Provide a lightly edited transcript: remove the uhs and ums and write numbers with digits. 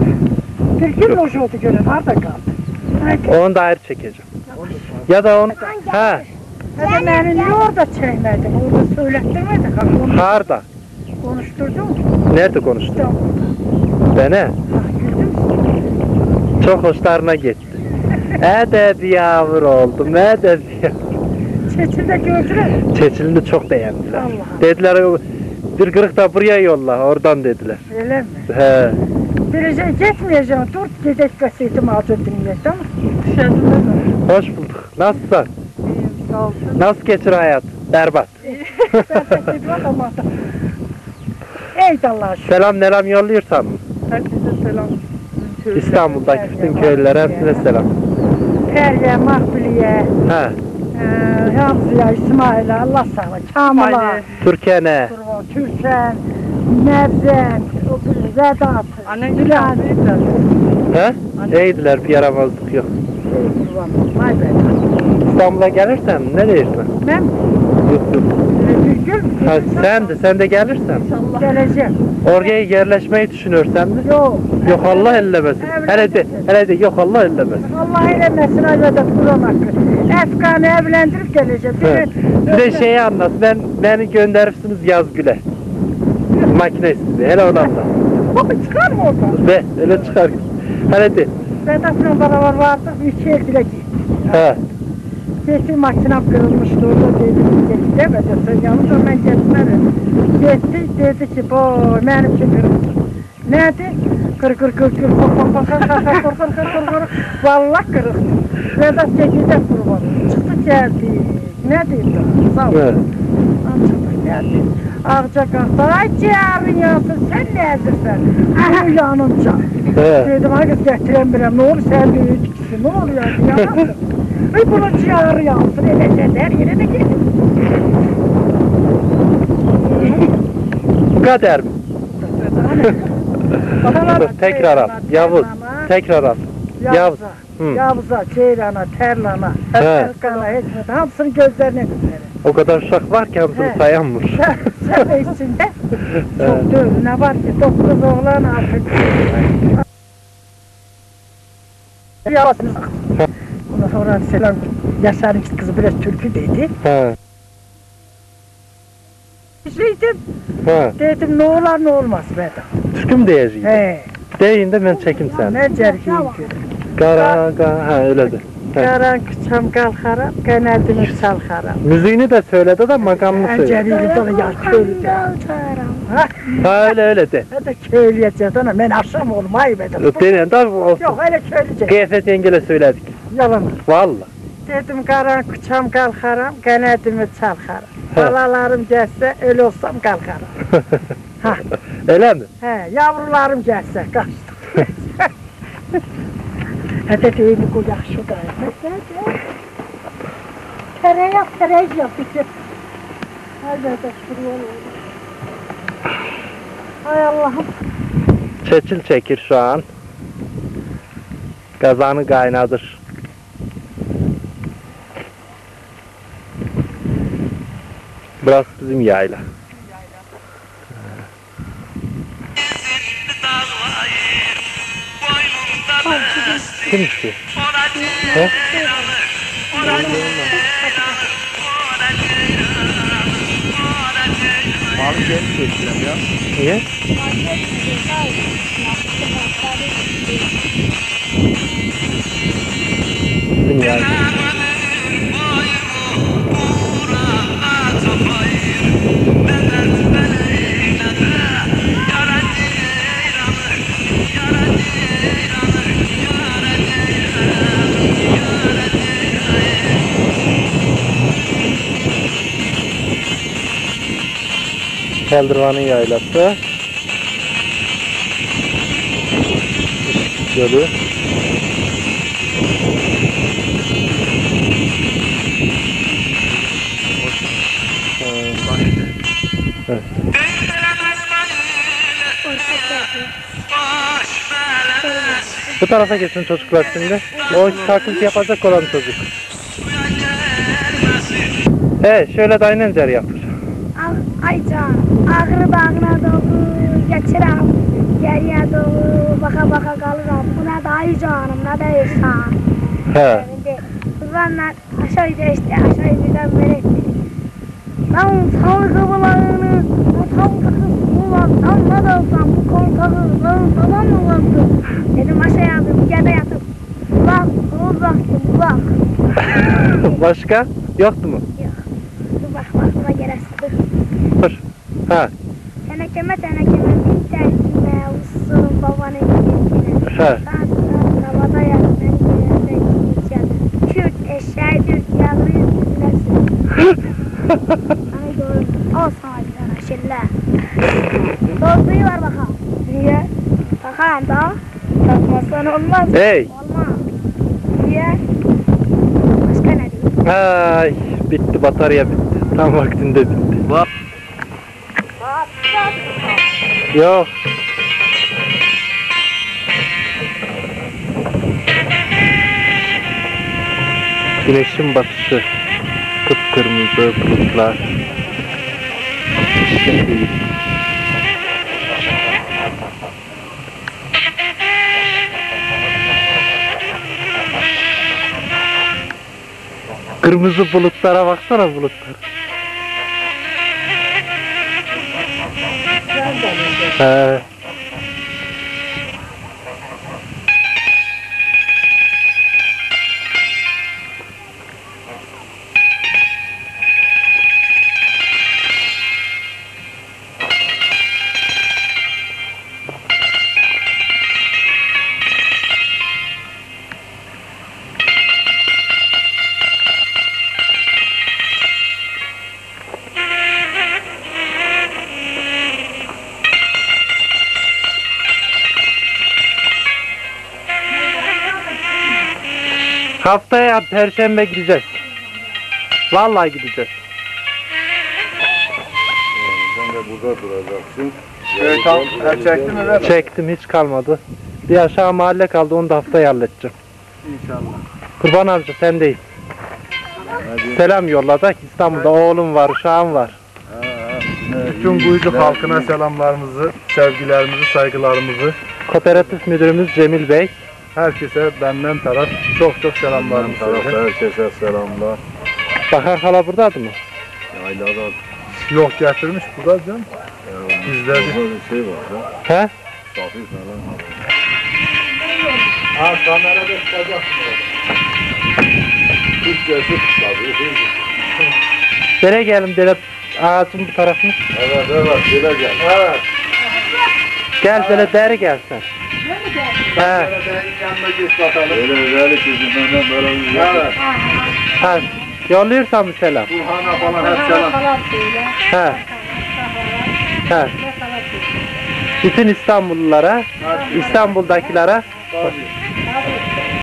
Bir gün hoş oldu gönül, nerede kaldı? Onu da ayrı çekeceğim. Ya da onu... Ha. Hadi beni niye orada çekmedin? Orada söylettirmedin. Harda. Konuşturdun mu? Nerede konuştun? İstanbul'da. Beni? Çok hoşlarına gitti. Edeb yavru oldum, edeb yavru. Çeçil'de gördüler. Çeçilini çok beğendiler. Allah. Dediler bir kırık da buraya yolla, oradan dediler. Öyle mi? He. Birece gitmeyeceğim, dur gidek gazetimi alacak dinleyek, tamam mı? Dışarıda da. Hoş bulduk. Nasılsın? İyiyim, sağ olsun. Nasıl geçir hayat? Berbat. Ben de gidiyorum ama. Ey Allah'a şükür. Selam yolluyorsan mı? Herkese selam. İstanbul'daki bütün köylülere hepsine selam. Periye, Mahbuliye, He. Hamziye, İsmail'e, Allah sağlık. Kamil'a, Türkiye'ne. Türken, Nevzen, Vedat, Annen Dilan. He? İyiydiler, bir yaramazlık yok. Vay be. İstanbul'a gelirsen ne dersin? Ben Yok. Türk'üm. Ha, sen de gelirsen. Geleceğim. Oraya yerleşmeyi düşünürsen de. Yok. Yok Allah ellemesin. Hele de yok Allah ellemesin. Allah eylemesin Vedat Kur'an hakkı. Efkan'ı evlendirip geleceğim. He. Bir de şeyi anlat. Beni gönderirsiniz Yazgül'e. Makine istiyor. Hele onu anlat. Baba çıkar mı oradan? Be, öyle çıkar. Hele de. Vedat'la beraber vardık. Üç evdile gittik. He. Geçti makinem kırılmıştı orada dedi. Geçti demedi. Sen yalnız ben geçmedim. Geçti dedi ki boy benim için kırıldı. Neydi? Kır. Vallahi kırık. Vedat çekildi kurban. Çıktı geldi. Ne diyeyim? Sağ ol. Çıktı geldi. Ağaca kalktı. Ay ciğerin yansın sen ne ezirsen? Aha yanımca. Dedim hadi getiremiyorum. Ne olur sen de üç ne oluyor? Yanamsın. Ay bunun ciğeri yansın. Her yere de gelin. Kader mi? Tekrar al. Yavuz. Tekrar al. Yavuz. Yavuz'a, Ceylan'a, Terlan'a, Erkan'a, Hekmet'e, hamsının gözlerine güzel. O kadar uşak var ki hamsını sayanmış. Sen de içinde çok dövün. Ne var ki 9 oğlan artık. Yavuz'un ondan sonra selam Yaşar'ın kızı biraz türkü dedi. Dedim ne olur ne olmaz be. Türkü mü diyeceğim? He. Deyin de ben çekim sen. Ne cerkiyim ki. Ha öyle de. Karan kıçam kalkaram, kanadımı salkaram. Müziğini de söyledi de makamını söyledi. Enceliyle dolu ya köylü de. Ha öyle de. Ben de köylüye cedana, ben akşam olmayı bedim. Deyin tabi olsun. Yok öyle köylüce. Kıyafet yengele söyledik. Yalan. Valla. Dedim karan kıçam kalkaram, kanadımı salkaram. Balalarım gelse, öyle olsam kalkarım. Ha. Öyle mi? He, yavrularım gelse, kaçtım. Hadi deyini koyak şurada. Tereyağı yap bitir. Hadi şuraya olur. Hay Allah'ım. Çeçil çekir şu an. Kazanı kaynadır. Burası bizim yayla. Kim istiyor? He? Abi gelip geçeceğim ya. Niye? Bizim yayla. Keldırvan'ın yaylası. Gölü. Evet. Bu tarafa geçin çocuklar şimdi. O taklit yapacak olan çocuk. Şöyle de aynen cer yapır. Aycan, ağrı bağına doğru, geçirem, geriye doğru, baka baka Kadayıfsan. He. Kurbanlar aşağı geçti, aşağı birden melek. Lan sağlıklı bulanını, o sağlıklı bulan, tam ne da olsam bu kontağı, lan falan mı vardı? Dedim aşağıya aldım, yerde yatıp. Bak, kıvıl baktım, bak. Başka? Yoktu mu? Yok. Dur bak, aklıma gelesi. Dur. Ha. Tenekeme bir tersine, usulun babanın gidişine. He. Havada yatmak yerine gideceğim. Kürt eşeği Türk yavruyu dinlesin. Ay doğru. Al sana bir tane şille. Dolduyu var bakalım. Niye? Bakalım da. Takmazsan olmaz. Hey. Olmaz. Niye? Başka ne diyeyim? Ay, bitti, batarya bitti. Tam vaktinde bitti. Yok. Güneşin batışı. Kıpkırmızı bulutlar. Şimdi kırmızı bulutlara baksana, bulutlar. He. Haftaya Perşembe gideceğiz. Vallahi gideceğiz. Sen de burada duracaksın. Tam çektin mi lan? Çektim, hiç kalmadı. Bir aşağı mahalle kaldı, onu da haftaya halledeceğim. İnşallah. Kurban amca sen değil. Selam yolladık. İstanbul'da oğlum var, uşağım var. Bütün Kuyucuk halkına selamlarımızı, sevgilerimizi, saygılarımızı, Kooperatif müdürümüz Cemil Bey. herkese benden taraf çok selamlarımı söyle. Herkese selamlar. Bahar hala buradadı mı? Yaylada Yok getirmiş burada canım. Bizde bir şey var ya. He? Safi falan. Ha kamerada çıkacaksın Türkçesi tabii. Nereye gelin dere ağacın bu tarafını? Evet, böyle gel. Evet. Gel böyle deri gelsen. He. Yanına geç bakalım. Böyle kızımdan böyle bir Evet. Ha. Yolluyorsan bir selam. Burhan'a falan hep selam. He. He. Bütün İstanbullulara, İstanbul'dakilere Tabii.